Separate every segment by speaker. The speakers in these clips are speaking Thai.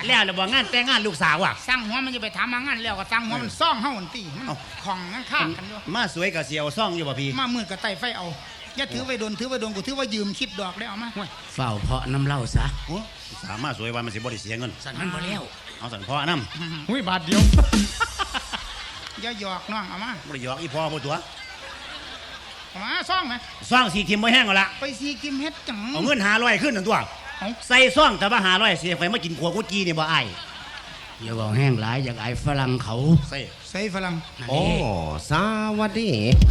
Speaker 1: แล้วเราบอกงานแต่งงานลูกสาวว่ะ
Speaker 2: สร้างหัวมันจะไปถามมางานแล้วก็สร้างหัวมันซ่องเฮาอันตีมันของงั้นข้างกันด้วย
Speaker 1: มาสวยกับเสียวซ่องอยู่ป่ะพี่
Speaker 2: มามืดกับไต่ไฟเอาอย่าถือไว้โดนถือไว้โดนกูถือว่ายืมคิดดอกได้เอามา
Speaker 3: เฝ้าเพาะน้ำเล่าซะ
Speaker 1: สามารถสวยวันมันสิบ่ได้เสียเงิน
Speaker 3: สั่นมันบ่แล้ว
Speaker 1: เอาสันพ่อน้ำ
Speaker 4: หุ้ยบาทเดียว
Speaker 2: อย่าหยอกน้องเอามา
Speaker 1: บ่ได้หยอกอีพ่อบ่ตัว
Speaker 2: เอามาซ่องไหม
Speaker 1: ซ่องสีทิมบ่แห้งเอาละ
Speaker 2: ไปสีกิมเฮ็ดจัง
Speaker 1: เอาเงิน500ขึ้นนั่นตัวใส่ซ่องแต่ว่า500เสียไฟมากินขัวกุจีนี่บ่อาย
Speaker 3: อย่าบอกแห้งหลายอย่างไอ้ฝรั่งเขา
Speaker 2: ใส่ฝรั่ง
Speaker 5: โอ้สวัสดี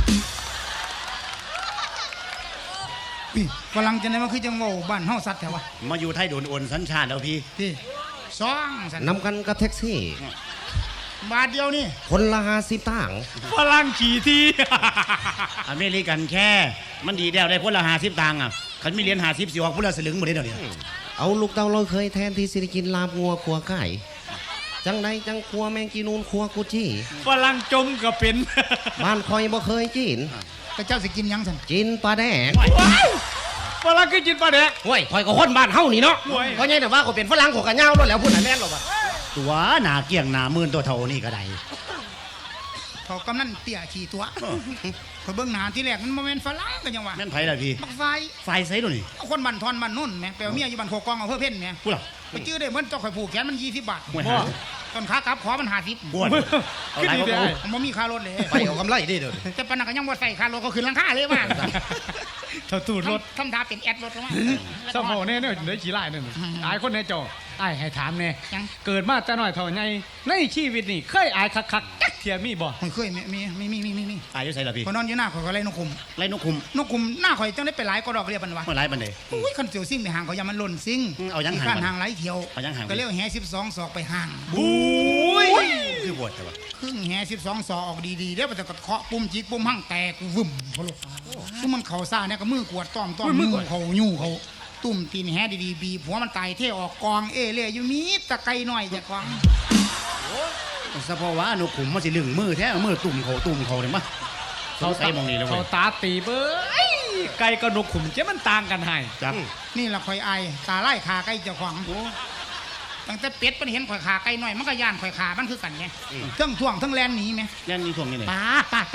Speaker 2: ฝรั่งจะไหนมาคือจังโง่บ้านเฮาสัตว์แถววะ
Speaker 1: มาอยู่ไทยโดนโอนสัญชาติแล้วพี่
Speaker 2: ซ่องสัน
Speaker 5: นำกันกับแท็กซี่
Speaker 2: บาทเดียวนี่
Speaker 5: คนละ50ตังค์
Speaker 4: ฝรั่งขี่ที
Speaker 1: อเมริกันแค่มันดีแล้วได้คนละ50ตังค์อ่ะคันมีเหรียญ50สิออกคนละสลึงบ่ได้เดี๋ยวนี้
Speaker 5: เอาลูกเต้าเราเคยแทนที่สิกินลาบงัวขัวไก่จังใดจังขัวแมงกีนูนขัวกุจี้
Speaker 4: ฝรั่งจมก็เป็น
Speaker 5: บ้านคอยบ่เคยกิน
Speaker 2: แต่เจ้าสิกินยังสัน
Speaker 5: กินปลาแดก
Speaker 4: ฝรั่งก็กินปลาแดก
Speaker 5: โอ้ยคอยก็คนบ้านเฮานี่เนาะเพราะไงแต่ว่าเขาเป็นฝรั่งเขากันยาวแล้วพูดไหนแม่นหรอวะ
Speaker 1: ตัวหนาเกี่ยงหนามื่นตัวเท่านี่ก็ได้
Speaker 2: เขากำนันเตี่ยขี่ตัวเขาเบื้องหน้าที่แรกมันโมเมนต์ฝรั่งกันยังวะ
Speaker 1: แม่นไผ่ละพี่
Speaker 2: บัก
Speaker 1: ไฟไซส์ตัวนี้
Speaker 2: คนบันทอนบันนุ่นแม่แปลว่าเมียอยู่บันโคกองเอาเพื่อเพ่นแม่
Speaker 1: พูดหรอ
Speaker 2: ไปจื้อได้เหมือนเจ้าข่อยผูกแขนมัน20 บาทตอนขากลับขอมัน50
Speaker 1: บ้วนเอาไรก็เอา
Speaker 2: มันมีค่ารถเลย
Speaker 5: ไปเอากำไรดิเด้อ
Speaker 2: แต่ปนักก็ยังบ่ใส่ค่ารถก็ขึ้นราคาเลยว่า
Speaker 4: เท่าตูดรถ
Speaker 2: ทำท่าเป็นแอดรถลงมา
Speaker 4: เจ้าพ่อเนี่ยได้ขี่ไล่นั่นอายคนในจออายให้ถามเนี่ยเกิดมาแต่น้อยเท่าไงในชีวิตนี่เคยอายคักๆเทียมีบ่
Speaker 2: เคยมี
Speaker 1: อายอยู่ใส่ละพี่
Speaker 2: คนนอนอยู่หน้าข่อยก็ไล่นกคุมนกคุมหน้าข่อยจังได้ไปหลายก็ดอกเรียบมันวะ
Speaker 1: เมื่อไรบันเดย์
Speaker 2: อุ้ยคันเสียวซิ่งในห่างเขายังมันหล่นซิ่ง
Speaker 1: เอายังห่าง
Speaker 2: ห่างไหลเที่ยวก็เรียกแห่12 ศอกไปห่าง
Speaker 1: บุ้ยคือปวดแต่ว่า
Speaker 2: ครึ่งแห่12 ศอกออกดีๆเดี๋ยวมันจะเคาะปุ่มจิกปุ่มหั่งแตกวึ่มพลุคือมันเข่าซ่าเนี่ยก็มือกวดต้อมมือเขายู่เขาตุ่มตีนแห่ดีๆบีบหัวมันตายเท่ออกกองเอเล่อยู่มีตะไคร้หน่อยจะกอง
Speaker 1: สะพอว่าหนูขุมมันสิลึงมือแท้มือตุ่มเขาเนี่ยมั้ยเขาใส่มองนี่แล้ว
Speaker 4: เขาตาตีเบ้ยไก่กับนกขุมเจ้ามันต่างกันให้
Speaker 1: จับ
Speaker 2: นี่ละข่อยไอตาไล่ขาไก่เจ้าของตั้งแต่เป็ดมันเห็นข่อยขาไก่หน่อยมันก็ย่านข่อยขามันคือกันไงทั้งท่วงทั้งแลนหนีไหม
Speaker 1: แลนนี่ท่วงยังไง
Speaker 2: ป้า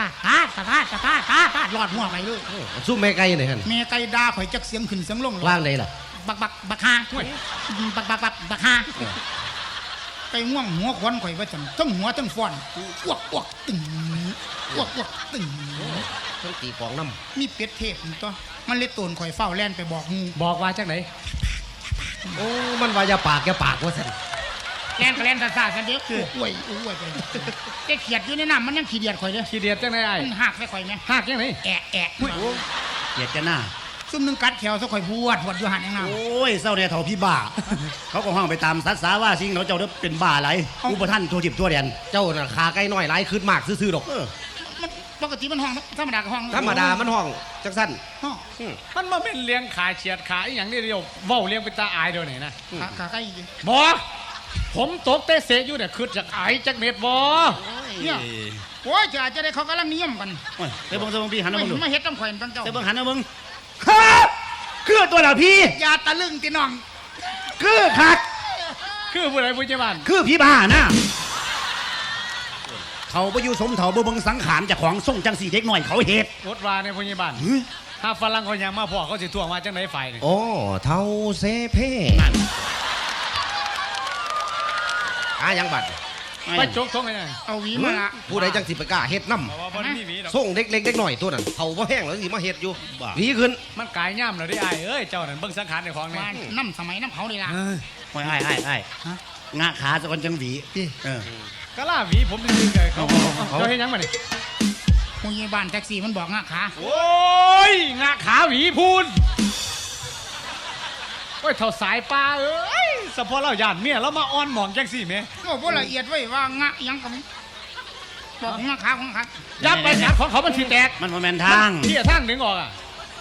Speaker 2: หลอดหัวไปเลย
Speaker 5: สู้แม่ไก่หน่อยฮะ
Speaker 2: แม่ไก่ด่าข่อยจักเสียงขึ้นเสียงลง
Speaker 5: ว่างไหนล่ะ
Speaker 2: บักฮาบักฮาไก่ง่วงหัวควันข่อยว่าจังทั้งหัวทั้งฟอนอ้วกตึงตึง
Speaker 5: ทั้งตีกองน้
Speaker 2: ำมีเป็ดเทพตัวมันเลยตูนข่อยเฝ้าแล่นไปบอกงู
Speaker 4: บอกว่าจังไหน
Speaker 5: โอ้มันว่าอย่าปากว่าสัน
Speaker 2: แล่นก็แล่นซากันเดี๋ยวอ้วยไปแกเขียดอยู่ในน้ำมันยังขี้เดียดข่อยเลย
Speaker 4: ขี้เดียดจังไหนไอ้
Speaker 2: หักไปข่อยไหม
Speaker 4: หักยังไง
Speaker 2: แอะ
Speaker 1: เขียดจะหน้า
Speaker 2: ซุ่มนึงกัดแขวซะข่อยบวดอยู่หันยังไง
Speaker 1: โอ้ยเศร้าเนี่ยเถ่าพี่บ้าเขาก็ห้องไปตามซัดสาว่าสิ่งเราเจ้าเป็นบ้าอะไรอุปท่านตัวจิบตัวเรียน
Speaker 5: เจ้าน่ะขาไก่น้อยหลายขึ้นมากซื่อๆดอก
Speaker 2: ปกติมันห้องธรรมดากับห้อง
Speaker 5: ธรรมดามันห้องจังสั้น
Speaker 4: มันมาเป็นเลี้ยงขาเฉียดขาอย่างนี้เดียวเว้าเลี้ยงเป็นตาอายเดียวไหนนะ
Speaker 2: ขาไก่
Speaker 4: บ่ผมตกเตะเสยอยู่เนี่ยคือจากอายจากเม็ดบ่
Speaker 2: เนี่ยโอ้ยจะได้เขากำลังนิยมกัน
Speaker 1: เดี๋ยวบังพี่หันมาดู
Speaker 2: ไม่เห็ดต้องแขวนตั้งเจ้า
Speaker 1: เดี๋ยวบังหันมาบังคือตัวละพี่
Speaker 2: ยาตะลึงตีน้อง
Speaker 1: คือคัก
Speaker 4: คือผู้ใดผู้เจ้าบ้าน
Speaker 1: คือพี่บ้านะเขาไปอยู่สมเถาบังสังขารจากของส่งจังสีเด็กหน่อยเขาเหตุ
Speaker 4: รถวาในผู้เจ้าบ้านถ้าฝรั่งเขายังมาพ่อเขาสิท่วงมาจังไหนฝ่าย
Speaker 5: โอ้เท่าเซเพ่ยังบัด
Speaker 4: ไปจกส่งไง
Speaker 2: เอาหวีมาละ
Speaker 5: ผู้ใดจังสิไปกล้าเฮ็ดน้ำส่งเด็กเล็กหน่อยตัวนั้นเขาบ่แห้งแล้วสิมาเฮ็ดอยู่หวีขึ้น
Speaker 4: มันกายย่ำเลยได้ไอ้เอ้ยเจ้านั่นเบิ่งสังขารในของนี่
Speaker 2: น้ำสมัยน้ำเขาเลยล่ะ
Speaker 1: ไอ้งาขาจะคนจังหวี
Speaker 4: ก็ล่าหวีผมเป็นยังไงเขาเห็นยังมาเนี่ย
Speaker 2: ผู้ใหญ่บ้านแท็กซี่มันบอกงาขา
Speaker 4: โอ้ยงาขาหวีพูนโอ้ยเท่าสายปลาเอ้ยสะพอเราหยาดเมียแล้วมาอ้อนหมองแจ็คซี่เมีย
Speaker 2: โอ้โหละเอียดไว้ว่างะยังกับบอกงาขาของขา
Speaker 4: ยับไปจับของเขามันสีแตก
Speaker 1: มันโมเมนทาง
Speaker 4: ที่ทางดึงออกอ่ะ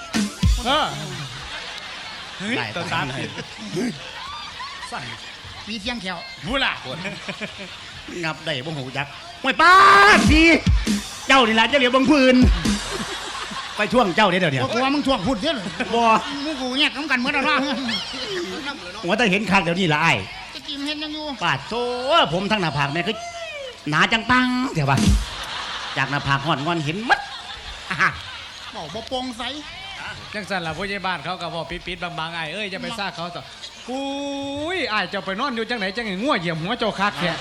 Speaker 4: เฮ้ยตัวตา
Speaker 2: สั่นมีเทียงแขว
Speaker 4: พูดล่ะ
Speaker 1: งับได้บ่หูจักไม่ป้าทีเจ้านี่แหละเจ้าเหลียวบังพื้นไปช่วงเจ้าเดี๋ยว
Speaker 2: กลัวมึงช่วงพูดเยอะเลย
Speaker 1: บ่
Speaker 2: มึงกูแยกกันเมื่อไหร่ว่า
Speaker 1: ว่าแต่เห็นคักเดี๋ยวนี้ละไอ้
Speaker 2: ตะกี้มันเห็นยังอยู่
Speaker 1: ปาดโซ่ผมทั้งหน้าผากแม่ก็หนาจังปังเดี๋ยวว่าจากหน้าผากหอดงอนเห็นมัดอ่ะ
Speaker 2: บอกบ่โปร่งใส
Speaker 4: จังสันล่ะผู้ใหญ่บ้านเขาก็บอกปิดๆบางๆไอ้ายเอ้ยจะไปซ่าเขาต่อกูยอ้ายเจ้าไปนอนอยู่จังไหนจังไงง่วเหยียบหัวเจ้าคักแค่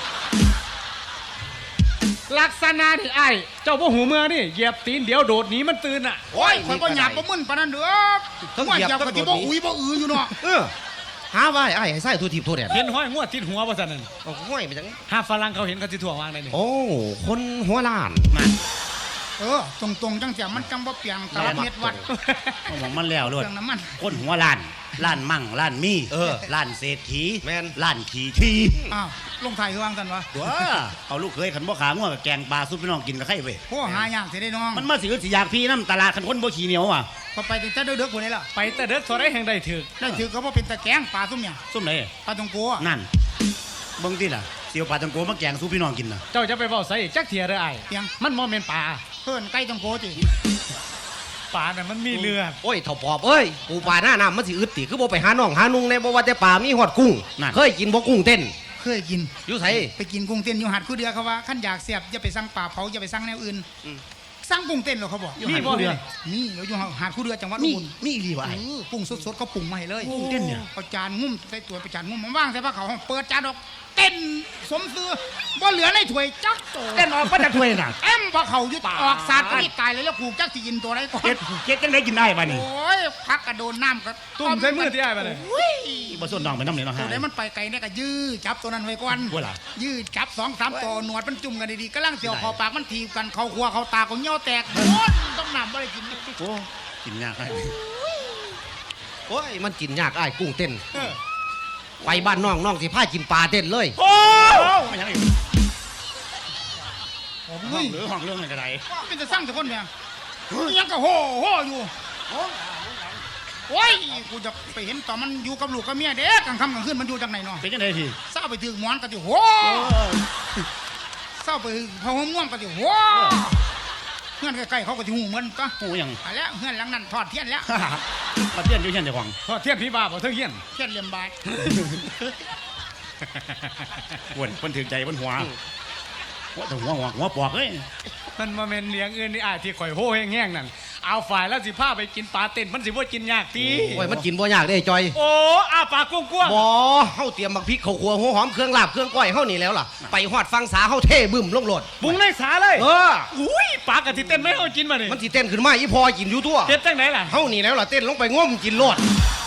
Speaker 4: ลักษณะที่ไอ้ายเจ้าบ่หูเมื่อนี่เหยียบตีนเดี๋ยวโดดหนีมันตื่นอ่ะ
Speaker 2: โอ้ยข่อยบ่หยาบบ่มึนปานนั้นเด้อว่าเหยียบก็สิบ่อุ้ยบ่อืออยู่เนาะ
Speaker 5: หาว่าไอ้ให้ใส่ทั่วทิพย์ทั่วแดน
Speaker 4: เห็นห้อยง่วติดหัวบ่ซั่นนั่น
Speaker 5: โอ้ห้วยไปจัง
Speaker 4: ถ้าฝรั่งเขาเห็นเขาสิถ่วงวางได้นี่
Speaker 5: โอ้คนหัวล้าน
Speaker 1: มา
Speaker 2: ตรงๆจังเสียมันจังบ่เปียงตาเม็ดวัด
Speaker 1: เอาของมันแล้ว
Speaker 2: เค
Speaker 1: ด้วย
Speaker 2: รื่องน้ำมัน
Speaker 1: ก้นหัวล้านล้านมั่งล้านมีล้านเศรษฐี
Speaker 5: แม่น
Speaker 1: ล้านขี่ที
Speaker 2: อ้าวลงไทยคือวางซั่นวะ
Speaker 1: ตัวเอาลูกเคยขันบ่ขาง่วงกับแกงปลาซุปพี่น้องกินกับไข่เว้ย
Speaker 2: โอ้หายากสิได้น้อง
Speaker 1: มันมาสิอยากพี่น้ำตลาดขันคนบ่ขี้เหนียวอ่ะ
Speaker 2: พอไปถึงแต่เด้อๆพุ่นนี่ล่ะ
Speaker 4: ไปแต่เด็กเท่าไรแห่งใดถึก
Speaker 2: ได้ถือก็บ่เป็นตะแกงปลาซุ่มเนี่ย
Speaker 1: ซุ่มไหน
Speaker 2: ปลาตองโกอะ
Speaker 1: นั่นเบิ่งที่ล่ะเสียวปลาตังโกมาแกงซุปพี่น้องกินน่ะ
Speaker 4: เจ้าจะไปเว้าใส่อีกจักเทียเด้อไอ้าย
Speaker 2: เปียง
Speaker 4: มันบ่แม่นปลา
Speaker 2: เพิ่นไก่ตองโกติ
Speaker 4: ปลาน่ะมันมีเลือด
Speaker 5: โอ้ยเถ่าปอบเอ้ยปูปลาหน้าน้ำมันสิอึดติคือบ่ไปหาน้องหานุ่งในบ่ว่าแต่ปลามีฮอดกุ้งเคยกินบ่กุ้งเต้น
Speaker 2: เคยกิน
Speaker 5: อยู่ไส
Speaker 2: ไปกินกุ้งเต้นอยู่หัดคู่เดือเขาว่าขั้นอยากเสียบอย่าไปสั่งปลาเผาอย่าไปสั่งแนวอื่นสั่งกุ้งเต้นหรอกเขาบอก
Speaker 1: มีบ่เดือน
Speaker 2: นี่เราอยู่หาดคู่เดือจังหวัด
Speaker 1: มี
Speaker 2: อุบล
Speaker 1: มีอีหลีวะไอ้
Speaker 2: กุ้งสดๆเขาปรุงมาให้เลย
Speaker 1: กุ้งเต้นเนี่ย
Speaker 2: เอาจานงุ้มใส่ตัวไปจานงุ้มมันว่างใส่ผ้าขาวเปิดจานออกเต้นสมซื้อบ่เหลือในถ้วยจักโต
Speaker 1: เต้นออกมาจากถ้วยน่ะ
Speaker 2: เอ็มผ้าเขาวยึดออกสาดก็นี่ตายเลยแล้วผูกจักสิกินตัวไรก่อน
Speaker 1: เก็ดจังได้กินได้ป่ะนี่
Speaker 2: โอ้ยพักกระโดนน้ำก็
Speaker 4: ตุ่มใส่มือที่ไอ้ายมาเลย
Speaker 2: อุ้ย
Speaker 1: บ่ส่วนน้องไปน้ำเหนียวน้อง
Speaker 2: ตัว
Speaker 1: หา
Speaker 2: ไหนมันไปไกลเนี่ยก็ยื้อจับตัวนั้นไว้ก่อน
Speaker 1: ว่าล่ะ
Speaker 2: ยื้อจับ2-3ตัวหนวดมันจุ่มกันดีๆกำลังเสียวคอปากมันถีบกันเข้าครัวเข้าตาก็เงี้ยวแตกโอ้ยต้องนำบ่ได้กิน
Speaker 1: โอ้กินยากให้
Speaker 5: โอ้ยมันกินยากอ้ายกุ้งเต้นไปบ้านน้องน้องสิพากินปลาเต้นเลย
Speaker 1: โอ้ไม่ยังอีก
Speaker 2: โอ้
Speaker 1: ห้อย งหรือห้องเรื่องอะไรกันไร
Speaker 2: เป็นจะสร้างแต่คนเนี่ยยังก็โห่อยู่โอ้ยกูจะไปเห็นตอนมันอยู่กับลูกกับเมียเด็กกลางค่ำกลางคืนมันอยู่จากไหนเนาะ
Speaker 1: เป็นยังไงพี่
Speaker 2: เศร้าไปถึงหมอนก็จะโห่เศร้าไปพอหัวม่วงก็จะโห่เพื่อนใกล้ๆเขาก็จะหูเหมือนก็
Speaker 1: โอ้ยัง
Speaker 2: ไปแล้วเพื่อนหลังนั้นทอดเทียนแล้ว
Speaker 1: มาเตี้ยนอยู่เช่นเดียวกัน
Speaker 4: ทอดเทียนพี่บ้าบ่เทิงเฮียน
Speaker 2: เทียนเหลี่ยมบาด
Speaker 1: วนเพิ่นถือใจเพิ่นหัวว่าแต่หัวปอกเอ้ย
Speaker 4: มันมาเมนเลี้ยงอื่นนี่อ้ายที่ข่อยโห่แห้งๆนั่นเอาฝ่ายแล้วสิพาไปกินปลาเต้นมันสิบ่กินยากตี
Speaker 5: โอ้ยมันกินบ่ยากเด้จอย
Speaker 4: โอ้อ้าปากกว้าง
Speaker 5: บ่เฮาเตรียมบักพริกข้าวคั่วหัวหอมเครื่องลาบเครื่องก้อยเฮานี่แล้วล่ะไปฮอดฟังสาเฮาเทบึ้มลงโลด
Speaker 4: ๆปรุงในสาเลย
Speaker 5: เออ
Speaker 4: อุ้ยปลากะทิเต้นไม่เอากินมานี่
Speaker 5: มันสิเต้นขึ้นมาอีพอกินอยู่ตัว
Speaker 4: เต้นจังไหนล่ะ
Speaker 5: เฮานี่แล้วล่ะเต้นลงไปง้มกินโลด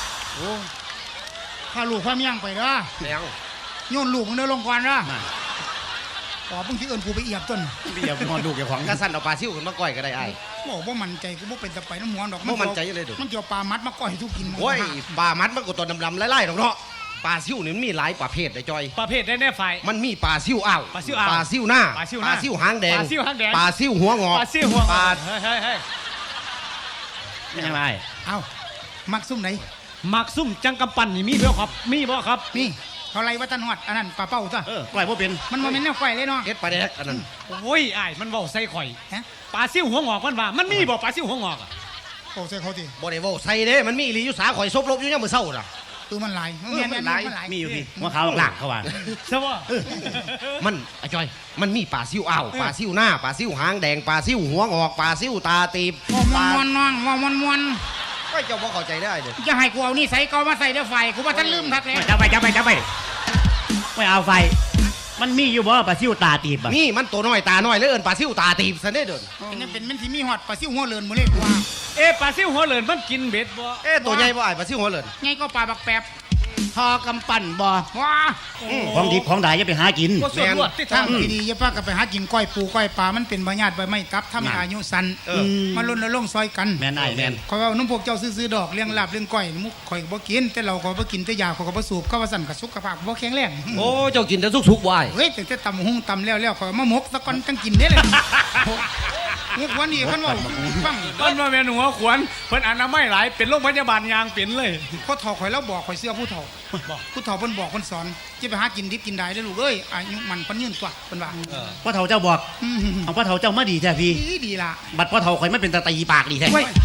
Speaker 2: พาลูกพาเมียงไปเด้อ
Speaker 5: แล้ว
Speaker 2: โยนลูกมึงเดินลงก่อนเด้อ
Speaker 1: มา
Speaker 2: อ๋อเพิ่งที่เอิญกูไปเอียบต้น
Speaker 1: เดี๋ยวพอดูแกของ
Speaker 5: กระสั่นเอาปลาซิ่วขึ้นมาก้อยก็ได้อ้าย
Speaker 2: บอกว่ามันใจกูบ่เป็นตะไปน้ำหมวนดอก
Speaker 5: บ่มั่นใจเลยเด้อ
Speaker 2: มันเกี่ยวปลามัดมาก้อยทุกกิน
Speaker 5: โอ้ยปลามัดมันก็ตัวดำๆไล่ๆดอกเนาะปลาซิ่วนี่มันมีหลายประเภทได้จอย
Speaker 4: ประเภทได้แน่ฝ่าย
Speaker 5: มันมีปลาซิ่วอ้าว
Speaker 4: ปลาซิ่วอ้าว
Speaker 5: ปลาซิ่วหน้า
Speaker 4: ปลาซิ่วหน้า
Speaker 5: หางแดง
Speaker 4: ปลาซิ่วหางแดง
Speaker 5: ปลาซิ่วหัวงอก
Speaker 4: ปลาซิ่วหัว
Speaker 5: ปลา
Speaker 4: เฮ้ย
Speaker 1: ไม่ใช่ไร
Speaker 2: เอามักซุ่มไหน
Speaker 4: มักซุ่มจังกำปั้นนี่มีบ่ครับมีบ่ครับ
Speaker 2: นี่เขาไล่วัดตันหอดอันนั้นปลาเป้าซะ
Speaker 1: ปล่อยพวกเป็น
Speaker 2: มันมาเป็นแนวไฟเลยเนาะ
Speaker 5: เอ็ดปลาแดกอันนั้น
Speaker 4: โอ้ยอ้ายมันเว้าใส่ข่อย
Speaker 2: ฮะ
Speaker 4: ปลาซิ่วหัวงอกมันว่ามันมีบ่ปลาซิ่วหัวงอกอะ
Speaker 2: โอ้ใส่เขาที
Speaker 5: บ่ได้เว้าใส่เด้มันมีอีหลีอยู่สาข่อยซบลบอยู่ยามมื้อเช้าน่ะ
Speaker 2: คือมันหลาย
Speaker 5: มันหลาย
Speaker 2: มันหลาย
Speaker 1: มีอยู่พี่หัวขาวหลักเขาว่า
Speaker 4: ใช่บ่
Speaker 5: มันไอ้จอย มันมีปลาซิ่วอ้าวปลาซิ่วหน้าปลาซิ่วหางแดงปลาซิ่วหัวงอกปลาซิ่วตาตีบ
Speaker 2: ม
Speaker 5: ปลา
Speaker 2: วนน้องมวน
Speaker 5: ก็เจ้าบ่เข้าใจได้เด้อ
Speaker 2: จะให้กูเอานี่ใส่เกามาใส่เดี๋ยวไฟกูว่าท่านลืมทักเลย
Speaker 1: จับไปไม่เอาไฟ มันมีอยู่บ่ปลาซิวตาตีบอ่ะ
Speaker 5: นี่มันตัวน้อยตาน้อยเลยเอิ้นปลาซิ่วตาตีบซะเด้อเด้อ
Speaker 2: เป็นมันที่มีหอดปลาซิ่วหัวเลินมือเล็กกว่า
Speaker 4: เอ๊ะปลาซิ่วหัวเหลินมันกินเบ็ดบ่
Speaker 5: เอ๊ะตัวใหญ่บ่อ้ายปลาซิ่วหัวเหลิน
Speaker 2: ไงก็ปลาบักแปบ
Speaker 1: ทอกำปั้นบ่
Speaker 2: ว้า
Speaker 1: ของดิบของดายอย่าไปหากิน
Speaker 4: บ่ส่วนรวดที่
Speaker 2: ทั้
Speaker 4: ทาง ง
Speaker 2: ดีๆอย่าป้ากับไปหากินก้อยปูก้อยปลามันเป็นใบหญ้าใบไม้ตับทำให้อายุสั้นมาล้นละลงซอยกัน
Speaker 1: แม่นไอ้แม่น
Speaker 2: คอยว่านุ่มพวกเจ้าซื้อๆดอกเลี้ยงลาบเลี้ยงก้อยมุกข่อยก็บ่กินแต่เราก็บ่กินแต่ยาข่อยก็บ่สูบก็ว่าสั่นกับสุขภาพบ่แข็งแรง
Speaker 5: โอ้เจ้ากินแต่สุกๆบ่อ้าย
Speaker 2: เฮ้ยแต่ตำหุ้งตำแล้วข่อยมาหมกตะกอนจังกินเด้เลยมุกวันนี้เพิ่นว่าฟัง
Speaker 4: มันมาแม่นหัวขวนเพิ่นอนามัยหลายเป็นโรงพยาบาลยางเป็นเลย
Speaker 2: พ่อเฒ่าข่อยแล้วบอกข่อยเสื้อผู้เฒ่าผู้เฒ่าเพิ่นบอกเพิ่นสอนจะไปหากินดิบกินได้เด้อลูกเอ้ยอายุมันเพิ่นยืนตัวเพิ่นว่า
Speaker 1: พ่อเฒ่าเจ้าบอกเอาพ่อเฒ่าเจ้ามาดีแท้พี่
Speaker 2: ดีล่ะ
Speaker 1: บัดพ่อเฒ่าข่อยไม่เป็นตาตีปากดีแท้
Speaker 2: เว้ย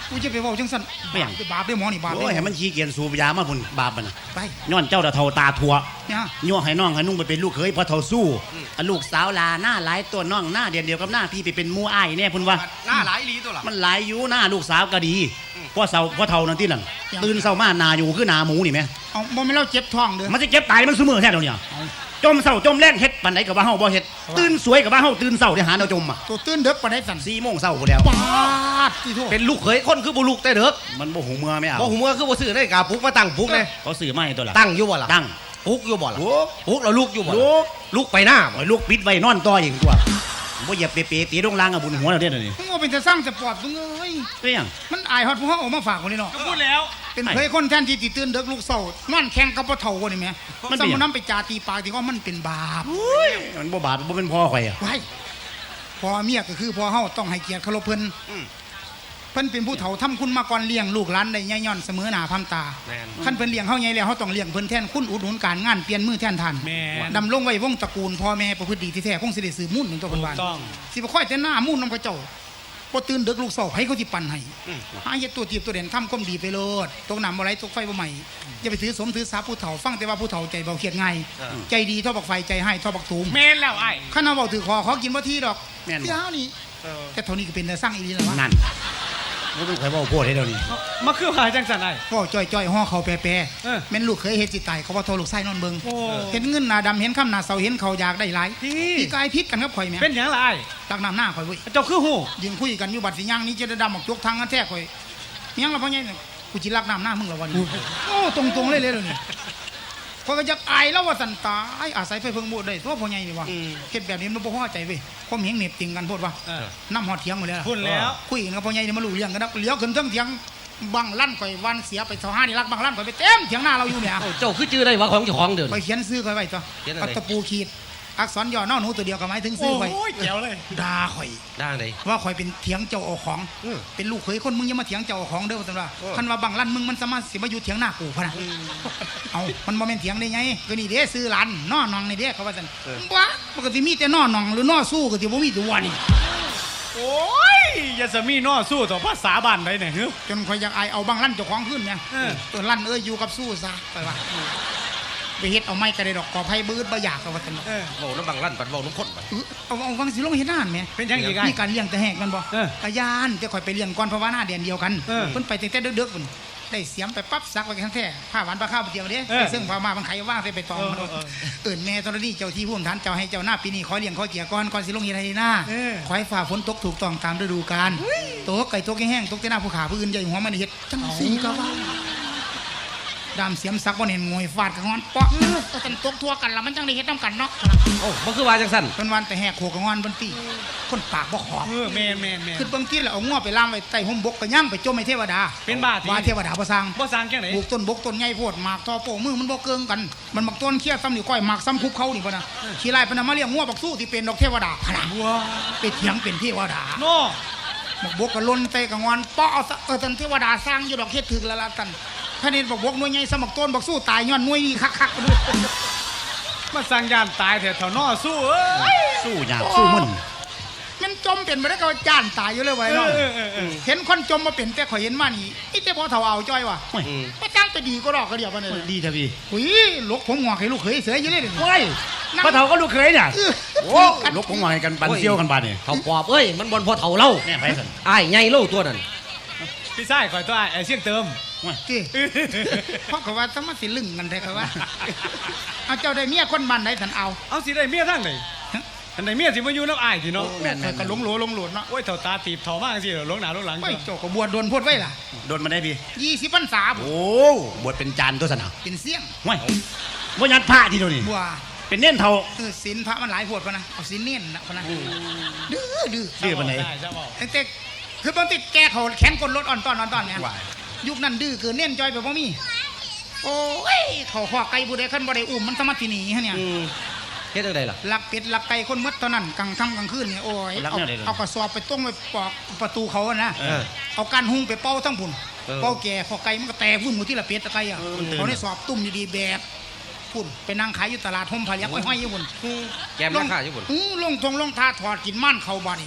Speaker 2: กูจะไปเว้าจังซั่น
Speaker 1: ไม่หยัง
Speaker 2: บาปได้หมอนี่บาป
Speaker 1: โอ้ย
Speaker 2: ได้
Speaker 1: ให้มันขี้เกียจสูบยามาพุ่นบาปมัน
Speaker 2: ไป
Speaker 1: ย้อนเจ้าตะเทาตาทัว
Speaker 2: เนี่ย
Speaker 1: ยั่วให้น้องให้นุ่งไปเป็นลูกเขยพอเท่าสู้อันลูกสาวลาหน้าหลายตัวน้องหน้าเดียวกับหน้าพี่ไปเป็นหมู่อ้ายแน่พุ่นว่า
Speaker 6: หน้าหลายอีหลีตัวล่ะ
Speaker 1: มันหลายอยู่หน้าลูกสาวก็ดีพ่อเท่านั่นที่นั่นตื่นเช้ามาหนาอยู่คือหนาหมูนี่แม่
Speaker 2: เอาบ่แม่นเราเจ็บท้องเด้อ
Speaker 1: มันจะเก็บตายมันซุมื้อแท้เดี๋ยวนี้จมเช้าจมแรงเฮ็ดปานใดก็ว่าเฮาบ่เฮ็ดตื่นสวยก็ว่าเฮาตื่นเช้าได้หาแนวจมอ่ะ
Speaker 2: ตัวตื่นเด็กปานใดสั่น
Speaker 1: 4 โมงเช้าพุ่นแล้ว
Speaker 2: ปาดที่โทษ
Speaker 6: เป็นลูกเขยคนคือบุลูกแต่เด็ก
Speaker 1: มันบ่หูเมื่อไม่เอา
Speaker 6: บ่หูเมื่อคือบ่ซื้อได้กาปลุกมาตั้งปลุกเลย
Speaker 1: เขาซื้อมาให้ตัวละ
Speaker 6: ตั้งอยู่บ่ล่ะ
Speaker 1: ตั้ง
Speaker 6: ปลุกอยู่บ่ล่ะ
Speaker 1: โอ้
Speaker 6: ปลุกแล้วลูกอยู่บ่ล่ะ
Speaker 1: ลูก
Speaker 6: ลูกไปหน้าบ่
Speaker 1: โอ้ยลูกปิดไว้นอนต่ออีกตัวบ่เหยียบเปๆตีลงล่างอ่ะบุญหัวแล้วเด้อนี่
Speaker 2: มึงว่าเป็นจะสร้างจะปลอดมึงเอ้ย
Speaker 1: เป็นหยัง
Speaker 2: มันอายฮอดผู้เฮาเอามาฝากคนนี้เนาะ
Speaker 4: ก็พูดแล้ว
Speaker 2: เป็นเคยคนแทนที่ติตื่นเด็กลูกเศร้านอนแข่งกับพ่อเฒ่าคนนี้แหม่สมมุตินำไปจาตีปากที่ว่ามันเป็นบาป
Speaker 1: มันบ่บาปบ่เป็นพ่อข่อยอ่ะ
Speaker 2: ไว้พ่อเมียก็คือพ่อเฮาต้องให้เกียรติเคารพเพิ่นเพิ่นเป็นผู้เฒ่าทำคุณมาก่อนเลี้ยงลูกหลานได้ย่ย่อนเสมอหน้าพามตา
Speaker 6: แม่น
Speaker 2: คันเพิ่นเลี้ยงเฮาใหญ่แล้วเฮาต้องเลี้ยงเพิ่นแทนคุณอุดหนุนการงานเปลี่ยนมือแทนท่าน
Speaker 4: แม่น
Speaker 2: ดำรงไว้วงตระกูลพ่อแม่ประพฤติดีที่แท้คงสิได้สืบมุ่นถึงตัวเพิ่นว่า
Speaker 4: ถูกต้อง
Speaker 2: สิบ่ค่อยแต่หน้ามุ่นนำกระเจ้าบ่ตื่นดึกลูกเศร้าให้เขาสิปั่นให้หาเฮ็ดตัวทีบตัวเด่นทำความดีไปโลดตกน้ำบ่ไหลตกไฟบ่ไหม้อย่าไปถือสมถือสาผู้เฒ่าฟังแต่ว่าผู้เฒ่าใจเบาเครียดง่ายใจดีเท่าบักไฟใจให้เท่าบักตูม
Speaker 4: แม่นแล้วไอ้
Speaker 2: คันเอาเว้าถือคอขอกินบ่ทีดอก
Speaker 1: แม่น
Speaker 2: เดี๋ยวนี่แต่เท่านี้ก็เป็นแต่สร้างอีหลีแล้ววะ
Speaker 1: นั่นบ่เป็นข่อยเว้าโพดให้เดี๋ยวนี้
Speaker 4: มาคือหาจังสันไอ้
Speaker 2: พ่อจ้อยๆห่อเขาแปร
Speaker 4: เออ
Speaker 2: แม่นลูกเคยเฮ็ดสิตายเขาว่าโทรลูกไส้นอนเบิ่ง
Speaker 4: โอ้
Speaker 2: เห็นเงินหน้าดำเห็นค่ำหน้าเสาเห็นเขาอยากได้หลาย
Speaker 4: พี่
Speaker 2: พี่กายพิษกันกับข่อยแม่
Speaker 4: เป็นหยังล่ะไอ้
Speaker 2: ตักน้ำหน้าข่อยเว้ย
Speaker 4: เจ้าคือหู
Speaker 2: ยืนคุยกันอยู่บัดสิย่างนี้จะได้ดำออกจกทางกันแท้ข่อยเมียงละพ่อใหญ่เนี่ยกูจิรักน้ำหน้ามึงละวันนี้โอ้ตรงๆเลยเลยนี่ข่อยก็อยากอายแล้วว่าสันตายอาศัยไฟเพิ่งบูดได้ตัวพ่อใหญ่นี่วะเฮ็ดแบบนี้มันบ่พอใจเว้ยความเห็นเหน็บติงกันโพดว่า
Speaker 4: เออ
Speaker 2: น้ำหอดเถียงหมดแล้วล่ะ
Speaker 4: พูดแล้ว
Speaker 2: คุยกันกับพ่อใหญ่นี่มารู้เรื่องกันนะเลี้ยวขึ้นเทิงเถียงบังลั่นข่อยวันเสียไปเท่าห้านี่รักบังลั่นข่อยไปเต็มเถียงหน้าเราอยู่เนี่ย
Speaker 6: เจ้าคือจื้อได้ว่าของเจ้าของเดิน
Speaker 2: ข่อยเขียนซื้อข่อยไว้ตัว
Speaker 6: เขียนอะไร
Speaker 2: เอาตะปูขีดอักษรย่อนอหนูตัวเดียวก็หมายถึงซื้อข่อย
Speaker 4: โอ้ยแจ๋วเลย
Speaker 2: ด่าข่อย
Speaker 6: ได้เลย
Speaker 2: ว่าข่อยเป็นเถียงเจ้าเอาของ เป็นลูกเขยคนมึงอย่ามาเถียงเจ้าเอาของเด้อว่าซั่นว่าคันว่าบังลั่นมึงมันสามารถสิมาอยู่เถียงหน้ากูพะนะเอามันบ่แม่นเถียงได้ไงก็นี่เด้ซื้อหลานน้อนองนี่เด้เขาว่าซั่นบ่ปกติมีแต่น้อนองหรือน้อสู้ก็สิบ่มีตัวนี่
Speaker 4: โอ้ยอย่าสมีน้อสู้ต่อภาษาบ้านได้เนี่ยเฮ้ย
Speaker 2: จนข่อยอยากอายเอาบังลั่นเจ้าของขึ้นเนี่ย
Speaker 4: เออ
Speaker 2: ตัวลั่นอยู่กับสู้ซะไปว่าไปเฮ็ดเอาไม้กระไดดอกกอไผ่บืดบ่อยากเขาว่าซั่น
Speaker 4: เออ
Speaker 6: เว้าน้ำบังลั่นปัดเว้าน้ำข้นไป
Speaker 2: เอาฟังสิลงเฮ็ดนานแหม
Speaker 4: เป็นยังอีกไอ้
Speaker 2: มีการเลี้ยงแต่แหกกันบ่
Speaker 4: เออก
Speaker 2: ะยานแต่ข่อยไปเลี้ยงก่อนเพราะว่าหน้าเดือนเดียวกัน
Speaker 4: เออ
Speaker 2: เพิ่นไปตั้งแต่เด็กๆพุ่นได้เสียมไปปั๊บซักไว้ทั้งแท้ผ้าหวานปลาข้าวเดียวเด้
Speaker 4: เออ
Speaker 2: ไปซึ่งผ้ามามันไขว่างใส่ไปตองมัน
Speaker 4: เออ
Speaker 2: เอิ่นแม่ตอนนี้เจ้าที่ผู้อำทานเจ้าให้เจ้าหน้าปีนี้ขอเลี้ยงขอเกียรก่อนสิลงเฮ็ดให้หน้า
Speaker 4: เออ
Speaker 2: ขอให้ฝ่าฝนตกถูกต้องตามฤดูกาลตกไก่ตกแห้งตกแต่หน้าผู้ขาผู้อื่นใหญ่หัวมันเฮ็ดจังซี่ก็ว่าดามเสียมซักบ่เห็นงวยฟาดกับงอนเปาะก็จังตกทั่วกันแล้วมันจังได้เฮ็ดนํกันเนาะ
Speaker 6: โอ้บ่คือว่าจังซั่น
Speaker 2: เพิ่นวันแต่แหกโขกกับงอนเพิ่นตีคนปากบ่ขอบ
Speaker 4: เออแม่นแม่นแม่น
Speaker 2: คือเบิ่งกินแล้วเอางัวไปล่ามไว้ใต้ห่มบกก็ย่างไปจมให้เทวดา
Speaker 4: เป็นบ้าที่
Speaker 2: ว่าเทวดาบ่สร้าง
Speaker 4: บ่สร้างแค่ไหน
Speaker 2: ปลูกต้นบกต้นใหญ่โพดหมากทอโป้มือมันบ่เกิงกัน มันบักต้นเคี้ยซ้ำนี่ก้อยหมากซ้ำคุกเขานี่บ่นะขี้ไล่เพิ่นเอามาเลี้ยงงัวบักสู้ที่เป็นดอกเทวดาขนาด
Speaker 4: ว้า
Speaker 2: ไปเถียงเป็นเทวดา
Speaker 4: โน่
Speaker 2: บักบกก็ล้นเตะกับงอนเปาะเอาซะท่านเทวดาสร้างอยู่ดอกเฮ็ดถึกแล้วล่ะท่านคะแนนบักบกหน่วยใหญ่สมักต้นบักสู้ตายย้อนหน่วยนี้คักๆกันด้วย
Speaker 4: มาสร้างยานตายแถวน้อสู้เอ้ย
Speaker 1: สู้ยากสู้มึน
Speaker 2: มันจมเป็นบ่ได้ก็จ้านตายอยู่เลยไว้เนาะ
Speaker 4: เออเออเออ
Speaker 2: เห็นคนจมมาเป็นแต่ข่อยเห็นมานี่นี่แต่พอเฒ่าเอาจ้อยว่ะ
Speaker 1: โอ้ย
Speaker 2: บ่จ้างไปดีก็ดอกก็เดียวปานนี้
Speaker 1: ดีเถอะพี่
Speaker 2: หุยลูกผมงอกให้ลูกเขยเสืออยู่เลยเดี๋ยวนี้
Speaker 1: โอ้ยพ่อเฒ่าก็ลูกเคยเนี่ย
Speaker 2: เออ
Speaker 1: โอ้ลูกของหวายกันปันเซี่ยวกันบาดนี่
Speaker 6: เขาปอบเอ้ยมันบ่พอเฒ่าเล่า
Speaker 1: แน่ไปสั่น
Speaker 6: อ้ายใหญ่เล่าตัวนั้น
Speaker 4: พี่ชายคอยตัวไอ้เสียงเติม
Speaker 2: จีเพราะเขาว่าต้องมาสิลึงกันแท้เขาว่า เอาเจ้าได้เมียคนบ้านไหนท่านเอา
Speaker 4: เอาสิได้เมียทั้งไหนอันไหนเมียสิมาอยู่น้ำอ้ายสิเนาะ
Speaker 1: แม่น
Speaker 2: ข่อยก็หลงโหลหลงโหลดเนาะ
Speaker 4: โอ้ยเถ่าตาตีบเถ่ามากสิหลงหนาหลงหลัง
Speaker 2: เฮ้ยเจ้าก็บวชโดนพูดไว้ล่ะ
Speaker 1: โดนมาได้พี่
Speaker 2: 20พรรษาบ่
Speaker 1: โอ้บวชเป็นจานตัวสนะ
Speaker 2: เป็นเสี่ยง
Speaker 1: ห่วยบ่ยัดผ้าทีเดียวนี่
Speaker 2: บัว
Speaker 1: เป็นเน่นเท่า
Speaker 2: ศีลพระมันหลายโพดพะนะเอาศีลเน้นนะพะนะดื้อ
Speaker 1: ดื้อปานไหน
Speaker 4: ใช่ใช่บอก
Speaker 2: ตั้งแต่คือบางทีแกเขาแขนกดรถอ่อนตอนเนี่ย
Speaker 1: ว้าย
Speaker 2: ยุคนั้นดื้อเกินเน้นจอยไปบ่มีโอ้ยเขาขอไก่ผู้ใดคันบ่ได้อุ้มมันสามารถสิหนีฮะเนี่ย
Speaker 6: เฮ็ดจังไดล่ะ
Speaker 2: ลักเป็ดลักไก่คนหมดเท่านั้นกลางค่ำกลางคืนเนี่ยโอ้ย
Speaker 1: ลัก
Speaker 2: เอา
Speaker 1: แนวใดเลย
Speaker 2: เอากระสอบไปต้งไปปอกประตูเขาอะนะ
Speaker 6: เออ
Speaker 2: เอาการหุงไปเป่าทั้งพุ่น
Speaker 6: เออ
Speaker 2: เป่าแก่พอไก่มันก็แตกวุ่นหมดที่ละเป็ดตะไก่อะ
Speaker 1: มันตื่น
Speaker 2: เขาได้สอบตุ่มดีๆแบบพุ่นไปนั่งขายอยู่ตลาดห่มผายักห้อยๆอยู่พุ่น
Speaker 6: แกมราคาอยู่พุ่น
Speaker 2: ลงทงลงทาถอดกินม่านเขาบ่นี่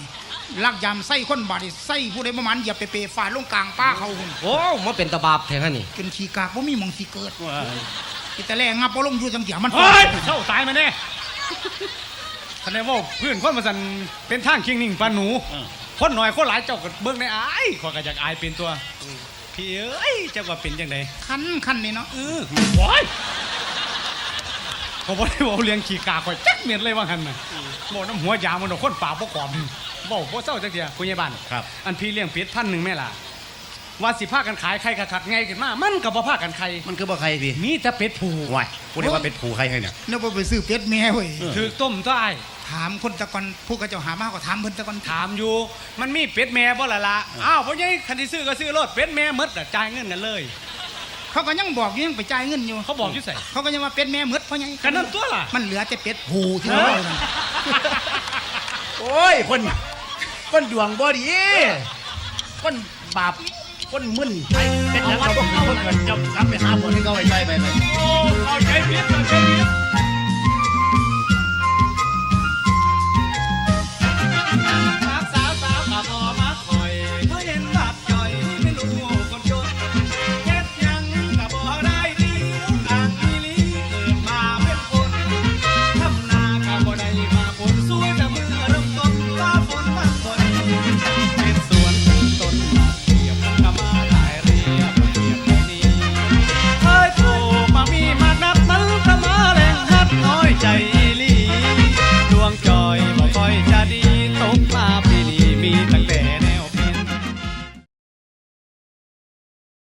Speaker 2: ลักยามไส้คนบาดนี่ไส้ผู้ใดประมาณอย่าไปเปฟาดลงกลางป้าเขาหุ่น
Speaker 6: โอ้มาเป็นตะบาบแทนนี่
Speaker 2: จนขี้กากบ่มีหมองสิเกิดแต่แรกงับบ่ลงอยู่จังเสียมัน
Speaker 4: เฮ้ยเศร้าตายมาแน่คะแนนว่าเพื่อนคนมาสันเป็นทางคิงนิ่งปานหนูคนหน่อยคนหลายเจ้าก็เบิ่งในอายขอยก็อยากอายเป็นตัวพี่เอ้ยเจ้าว่าเป็นจังได
Speaker 2: คันนี่เนาะ
Speaker 4: โอ้ยเขาบอกได้บอกเลี้ยงขี่กาข่อยจักเม็ดเลยว่าหันน่ะบอกน้ำหัวยามันเอาคนป่าบ่กรอบบอกบ่เศร้าจังเดียคุณยายบ้าน
Speaker 1: ครับ
Speaker 4: อันพี่เลี้ยงเป็ด1,000แม่ล่ะว่าสิพากันขายไข่คักๆไงขึ้นมามันก็บ่พากันไข่
Speaker 1: มันคือบ่ใครพี่
Speaker 4: มีแต่เป็ดผู
Speaker 1: วายพูดได้ว่าเป็นผูใครให้เนี่ย
Speaker 2: เนาะบ่ไปซื้อเป็ดแม่เว้ย
Speaker 4: ถือต้มตัวอ้าย
Speaker 2: ถามคนตะกอนผู้กระเจ้าหามาก็ถามเพิ่นตะกอน
Speaker 4: ถามอยู่มันมีเป็ดแม่บ่ล่ะล่ะอ้าวบ่ยังคันที่ซื้อก็ซื้อรถเป็ดแม่หมดน่ะจ่ายเงินกันเลย
Speaker 2: เขาก็ยังบอกอยู่ยังไปจ่ายเงินอยู่
Speaker 4: เขาบอกอยู่ใส่
Speaker 2: เขาก็ยังว่าเป็ดแม่หมดเพราะหยัง
Speaker 4: กันนั่นตัวล่ะ
Speaker 2: มันเหลือแต่เป็ดหูที่เราเอานั่น
Speaker 1: โอ้ยคนดวงบ่ดีคนบาปคนมึนไปเป็นอย่างเราคนเกิดจะรับไปหาคนที่เขาไว้ใจไป
Speaker 4: โอ้เอาใจผิดเอาใจผิด